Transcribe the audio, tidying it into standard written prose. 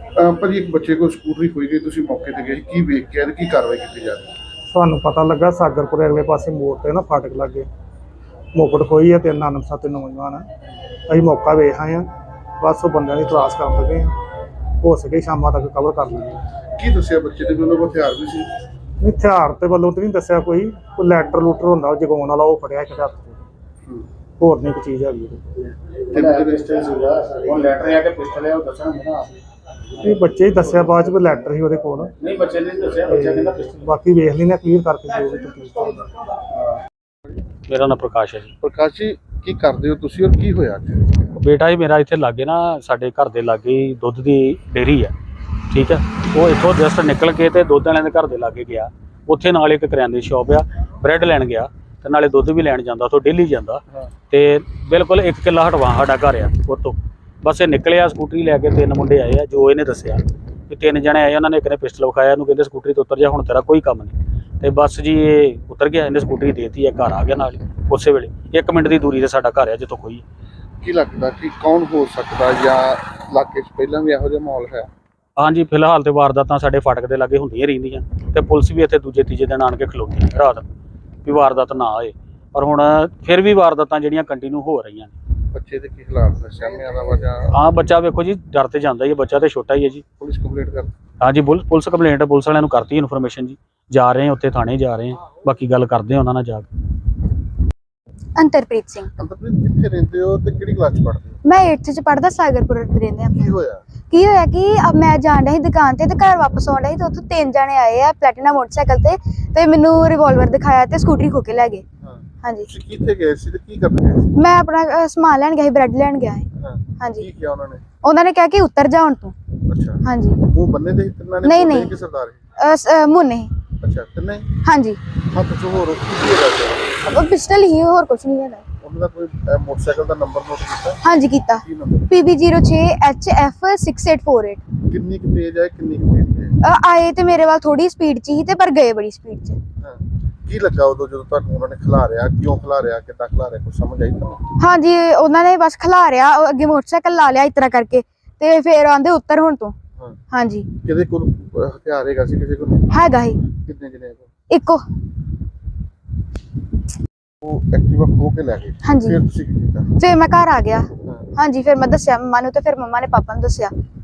ਭਾਜੀ ਇੱਕ ਬੱਚੇ ਕੋਲ ਸਕੂਟਰੀ ਖੋਈ ਗਈ, ਤੁਸੀਂ ਮੌਕੇ ਤੇ ਗਏ, ਕੀ ਵੇਖ ਕੇ ਆਏ ਤੇ ਕੀ ਕਾਰਵਾਈ ਕੀਤੀ ਜਾ ਰਹੀ ਹੈ? ਸਾਨੂੰ ਪਤਾ ਲੱਗਾ ਸਾਗਰਪੁਰ ਅਗਲੇ ਪਾਸੇ ਮੋੜ ਤੇ ਨਾ ਫਾਟਕ ਲੱਗੇ ਮੋਕੜ ਖੋਈ ਹੈ, 3 ਅਣਪਛਾਤੇ ਨੌਜਵਾਨ ਆ। ਅਸੀਂ ਮੌਕਾ ਵੇਖ ਆਏ ਹਾਂ, ਬਸ ਉਹ ਬੰਦਿਆਂ ਦੀ ਤਲਾਸ਼ ਕਰਨ ਲੱਗੇ ਹਾਂ, ਹੋ ਸਕੇ ਸ਼ਾਮਾਂ ਤੱਕ ਕਵਰ ਕਰ ਲਾਂਗੇ। ਕੀ ਦੱਸਿਆ ਬੱਚੇ ਦੇ ਕੋਲ ਹਥਿਆਰ ਵੀ ਸੀ? ਹਥਿਆਰ ਤੇ ਵੱਲੋਂ ਤਾਂ ਨਹੀਂ ਦੱਸਿਆ, ਕੋਈ ਲੈਟਰ ਲੂਟਰ ਹੁੰਦਾ ਉਹ ਜਗਾਉਣ ਵਾਲਾ, ਉਹ ਫੜਿਆ ਇੱਕ ਹੱਥ 'ਚ, ਹੋਰ ਨਹੀਂ ਕੋਈ ਚੀਜ਼ ਹੈਗੀ। ਇਹ ਬੱਚੇ ਹੀ ਦੱਸਿਆ, ਬਾਅਦ 'ਚ ਕੋਈ ਲੈਟਰ ਸੀ ਉਹਦੇ ਕੋਲ। ਨਹੀਂ ਬੱਚੇ ਨੇ ਦੱਸਿਆ, ਬੱਚਾ ਕਹਿੰਦਾ ਪਿਸਟਲ। ਬਾਕੀ ਵੇਖ ਲੈਂਦੇ ਕਲੀਅਰ ਕਰਕੇ ਜੋ ਵੀ ਤਕਲੀਫ। ਮੇਰਾ ਨਾਮ ਪ੍ਰਕਾਸ਼ ਹੈ ਜੀ। ਪ੍ਰਕਾਸ਼ ਜੀ, ਕੀ ਕਰਦੇ ਹੋ ਤੁਸੀਂ ਔਰ ਕੀ ਹੋਇਆ ਅੱਜ? ਬੇਟਾ ਜੀ ਮੇਰਾ ਇੱਥੇ ਲਾਗੇ ਨਾ, ਸਾਡੇ ਘਰ ਦੇ ਲਾਗੇ ਹੀ ਦੁੱਧ ਦੀ ਡੇਅਰੀ ਹੈ, ਠੀਕ ਹੈ। ਉਹ ਇੱਥੋਂ ਜਸਟ ਨਿਕਲ ਕੇ ਤੇ ਦੁੱਧ ਵਾਲਿਆਂ ਦੇ ਘਰ ਦੇ ਲਾਗੇ ਗਿਆ, ਉੱਥੇ ਨਾਲ ਇੱਕ ਕਰਿਆਨੇ ਦੀ ਸ਼ਾਪ ਆ, ਬ੍ਰੈਡ ਲੈਣ ਗਿਆ ਤੇ ਨਾਲੇ ਦੁੱਧ ਵੀ ਲੈਣ ਜਾਂਦਾ, ਉੱਥੋਂ ਡੇਲੀ ਜਾਂਦਾ। ਤੇ ਬਿਲਕੁਲ 1 ਕਿੱਲਾ ਹਟਵਾ ਸਾਡਾ ਘਰ ਆ ਉੱਥੋਂ। ਬਸ ਇਹ ਨਿਕਲਿਆ ਸਕੂਟਰੀ ਲੈ ਕੇ, 3 ਮੁੰਡੇ ਆਏ ਆ, ਜੋ ਇਹਨੇ ਦੱਸਿਆ ਕਿ 3 ਜਣੇ ਆਏ, ਉਹਨਾਂ ਨੇ ਇੱਕ ਨੇ ਪਿਸਟਲ ਵਿਖਾਇਆ, ਇਹਨੂੰ ਕਹਿੰਦੇ ਸਕੂਟਰੀ ਤੋਂ ਉਤਰ ਜਾ, ਹੁਣ ਤੇਰਾ ਕੋਈ ਕੰਮ ਨਹੀਂ। ਤੇ ਬਸ ਜੀ ਇਹ ਉਤਰ ਗਿਆ, ਇਹਨੇ ਸਕੂਟਰੀ ਦੇਤੀ ਹੈ, ਘਰ ਆ ਗਿਆ ਨਾਲ ਉਸੇ ਵੇਲੇ। 1 ਮਿੰਟ ਦੀ ਦੂਰੀ ਤੇ ਸਾਡਾ ਘਰ ਆ ਜਿੱਥੋਂ ਕੋਈ। ਕੀ ਲੱਗਦਾ ਕਿ ਕੌਣ ਹੋ ਸਕਦਾ, ਜਾਂ ਇਲਾਕੇ 'ਚ ਪਹਿਲਾਂ ਵੀ ਇਹੋ ਜਿਹਾ ਮਾਹੌਲ ਹੈ? ਹਾਂਜੀ, ਫਿਲਹਾਲ ਤੇ ਵਾਰਦਾਤਾਂ ਸਾਡੇ ਫਾਟਕ ਦੇ ਲਾਗੇ ਹੁੰਦੀਆਂ ਰਹਿੰਦੀਆਂ, ਤੇ ਪੁਲਿਸ ਵੀ ਇੱਥੇ ਦੂਜੇ ਤੀਜੇ ਦਿਨ ਆਣ ਕੇ ਖਲੋਤੀ ਰਾਤ ਵੀ ਵਾਰਦਾਤ ਨਾ ਆਏ, ਪਰ ਹੁਣ ਫਿਰ ਵੀ ਵਾਰਦਾਤਾਂ ਜਿਹੜੀਆਂ ਕੰਟੀਨਿਊ ਹੋ ਰਹੀਆਂ ਨੇ। ਬੱਚੇ ਦੇ ਕੀ ਹਾਲਾਤ ਨੇ, ਸਾਹਮਣੇ ਦਾ ਵਜ੍ਹਾ? ਹਾਂ, ਬੱਚਾ ਵੇਖੋ ਜੀ ਡਰ ਤੇ ਜਾਂਦਾ ਹੀ ਹੈ, ਬੱਚਾ ਤੇ ਛੋਟਾ ਹੀ ਹੈ ਜੀ। ਪੁਲਿਸ ਕੰਪਲੇਂਟ ਕਰ? ਹਾਂਜੀ, ਪੁਲਿਸ ਕੰਪਲੇਂਟ ਪੁਲਿਸ ਵਾਲਿਆਂ ਨੂੰ ਕਰਤੀ ਇਨਫੋਰਮੇਸ਼ਨ ਜੀ, ਜਾ ਰਹੇ ਹਾਂ ਉੱਥੇ ਥਾਣੇ ਜਾ ਰਹੇ ਹਾਂ, ਬਾਕੀ ਗੱਲ ਕਰਦੇ ਹਾਂ ਉਹਨਾਂ ਨਾਲ ਜਾ ਕੇ। ਅੰਤਰਪ੍ਰੀਤ ਸਿੰਘ। ਅੰਤਰਪ੍ਰੀਤ, ਕਿੱਥੇ ਰਹਿੰਦੇ ਹੋ ਤੇ ਕਿਹੜੀ ਕਲਾਸ 'ਚ ਪੜ੍ਹਦੇ ਹੋ? ਮੈਂ 8th ਚ ਪੜ੍ਹਦਾ, ਸਾਗਰਪੁਰ ਰਹਿੰਦੇ ਕੀ ਆਪਾਂ। ਹੋਇਆ? ਕੀ ਹੋਇਆ ਕਿ ਮੈਂ ਜਾਣ ਰਹੀ ਦੁਕਾਨ ਤੇ ਘਰ ਵਾਪਸ ਆਉਣ ਰਹੀ ਤੇ ਉੱਥੋਂ 3 ਜਣੇ ਆਏ ਆ ਪਲੈਟੀਨਾ ਮੋਟਰਸਾਈਕਲ ਤੇ ਮੈਨੂੰ ਰਿਵਾਲਵਰ ਦਿਖਾਇਆ ਤੇ ਸਕੂਟਰੀ ਖੋ ਕੇ ਲੈ ਗਏ। ਹਾਂਜੀ। ਤੁਸੀਂ ਕਿੱਥੇ ਗਏ ਸੀ ਤੇ ਕੀ ਕਰਨ ਗਏ ਸੀ? ਮੈਂ ਆਪਣਾ ਸਮਾਨ ਲੈਣ ਗਿਆ ਸੀ, ਬ੍ਰੈਡ ਲੈਣ ਗਿਆ ਸੀ। ਹਾਂਜੀ। ਕੀ ਕਿਹਾ ਉਹਨਾਂ ਨੇ? ਉਹਨਾਂ ਨੇ ਕਿਹਾ ਕਿ ਉਤਰ ਜਾ ਹੁਣ ਤੂੰ। ਅੱਛਾ। ਹਾਂਜੀ। ਮੂੰਹ ਬੰਨੇ ਦੇ ਤਿੰਨਾਂ ਨੇ? ਨਹੀਂ ਕਿ ਸਰਦਾਰ? ਮੁੰਨੇ। ਅੱਛਾ, ਤਿੰਨੇ? ਹਾਂਜੀ। ਹੱਥ 'ਚ ਹੋਰ ਕੀ ਹੋਇਆ? ਪਿਸਟਲ ਹੀ, ਹੋਰ ਕੁਝ ਨਹੀਂ ਹੈਗਾ। ਉਹਨਾਂ ਦਾ ਕੋਈ ਮੋਟਰਸਾਈਕਲ ਦਾ ਨੰਬਰ ਨੋਟ ਕੀਤਾ? ਹਾਂਜੀ ਕੀਤਾ। ਕੀ ਨੰਬਰ? PB06HF6848। ਕਿੰਨੀ ਕੁ ਤੇਜ਼ ਹੈ, ਕਿੰਨੀ ਕੁ ਤੇਜ਼ ਹੈ? ਆਏ ਤੇ ਮੇਰੇ ਵੱਲ ਥੋੜੀ ਸਪੀਡ 'ਚ ਹੀ ਤੇ ਪਰ ਗਏ ਬੜੀ ਸਪੀਡ 'ਚ। ਕੀ ਲੱਗਾ ਉਦੋਂ ਜਦੋਂ ਤੁਹਾਨੂੰ ਉਹਨਾਂ ਨੇ ਖਿਲਾਰਿਆ? ਕਿਉਂ ਖਿਲਾਰਿਆ, ਕਿੱਦਾਂ ਖਿਲਾਰਿਆ, ਕੁਝ ਸਮਝ ਆਈ ਤੁਹਾਨੂੰ? ਹਾਂਜੀ, ਉਹਨਾਂ ਨੇ ਬਸ ਖਿਲਾਰਿਆ, ਅੱਗੇ ਮੋਟਰਸਾਈਕਲ ਲਾ ਲਿਆ ਇਸ ਤਰ੍ਹਾਂ ਕਰਕੇ ਤੇ ਫਿਰ ਆਂਦੇ ਉੱਤਰ ਹੁਣ ਤੋਂ। ਹਾਂਜੀ। ਕਿਹਦੇ ਕੋਲ ਹਥਿਆਰ ਹੈਗਾ ਸੀ, ਕਿਸੇ ਕੋਲ ਨਹੀਂ ਹੈਗਾ ਹੀ। ਕਿੰਨੇ ਜਣੇ? ਇੱਕੋ। ਉਹ ਐਕਟਿਵਾ ਖੋ ਕੇ ਲੈ ਗਏ? ਹਾਂਜੀ। ਫਿਰ ਤੁਸੀਂ ਕੀ ਕੀਤਾ? ਫਿਰ ਮੈਂ ਘਰ ਆ ਗਿਆ। ਹਾਂਜੀ, ਫਿਰ ਮੈਂ ਦੱਸਿਆ ਮੰਮਾ ਨੂੰ ਤੇ ਫਿਰ ਮੰਮਾ ਨੇ ਪਾਪਾ ਨੂੰ ਦੱਸਿਆ।